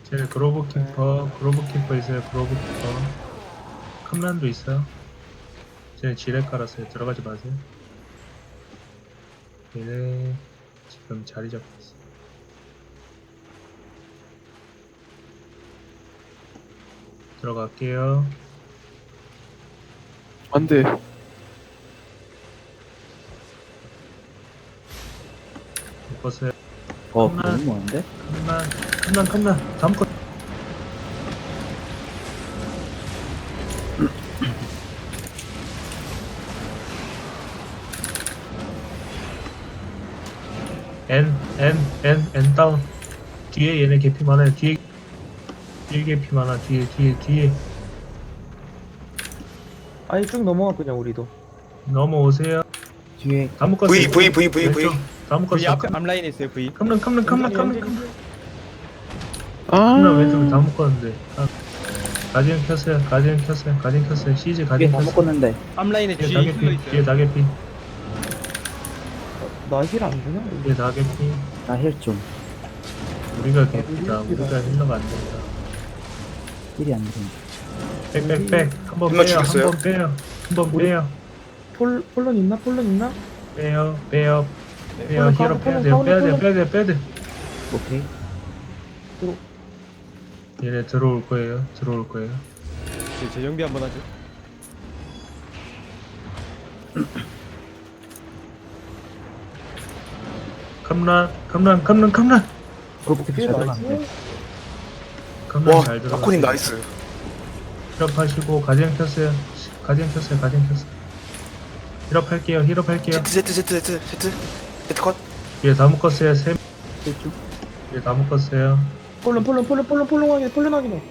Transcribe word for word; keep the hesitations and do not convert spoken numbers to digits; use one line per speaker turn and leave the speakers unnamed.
쟤네 그로브 키퍼, 그로브 키퍼 있어요. 그로브 키퍼. 컴란도 있어요. 쟤네 지뢰 깔았어요. 들어가지 마세요. 얘네 지금 자리 잡고 있어. 들어갈게요.
안 돼.
못 봤어요.
어,
컴란.
너무 많은데?
컴란, 컴란, 컴란. 다음 거. N, N, N, N 다운. 뒤에 얘네 개피 많아요. 뒤에, 뒤에 개피 많아. 뒤에, 뒤에, 뒤에.
아니 쭉 넘어가 그냥 우리도.
넘어오세요.
뒤에
다 묶었어요.
V, V, V, V, V.
왼쪽. 다
V
묶었어요.
앞에 앞라인에 있어요 V.
컴란, 컴란, 컴란, 컴란, 컴란. 컴란
아.
왼쪽에 다 묶었는데. 아, 가디언 켰어요. 가디언 켰어요. 가디언 켰어요. 시즈
뒤에
가디언
다
켰어요.
묶었는데
앞라인에
뒤에
G
다개피.
힐러
뒤에
있어요.
다개피.
나힐 안 주냐?
뒤에 다개피.
나 힐 좀.
우리가 개피다. 우리가 힐러가 안 된다.
힐이 안 되네.
빽빽빽. 한번
힐러
빼요.
죽였어요?
한번 빼요. 한번 빼요.
폴 폴론 있나? 폴론 있나?
빼요. 빼요. 빼요.
폴론
힐러
가운데,
빼야
폴론
돼요. 빼야
가운데,
돼요. 빼야 돼요. 빼야 돼요.
오케이.
얘네 들어올 거예요. 들어올 거예요.
네, 재정비 한번 하죠.
컴란, 컴란, 컴란, 컴란.
그렇게
뒤에
잘
나이스.
들어갔네.
컴란
와,
잘 들어가.
아코님 나이스.
힐업하시고 가디언 켰어요. 가디언 켰어요. 가디언 켰어요. 힐업할게요. 힐업할게요.
Z, Z, Z, Z, Z. Z 컷.
얘 다 묶었어요. 세,
힐 좀.
얘 다 묶었어요.
폴론 폴론 폴론 폴론 폴론 확인 폴론 확인해.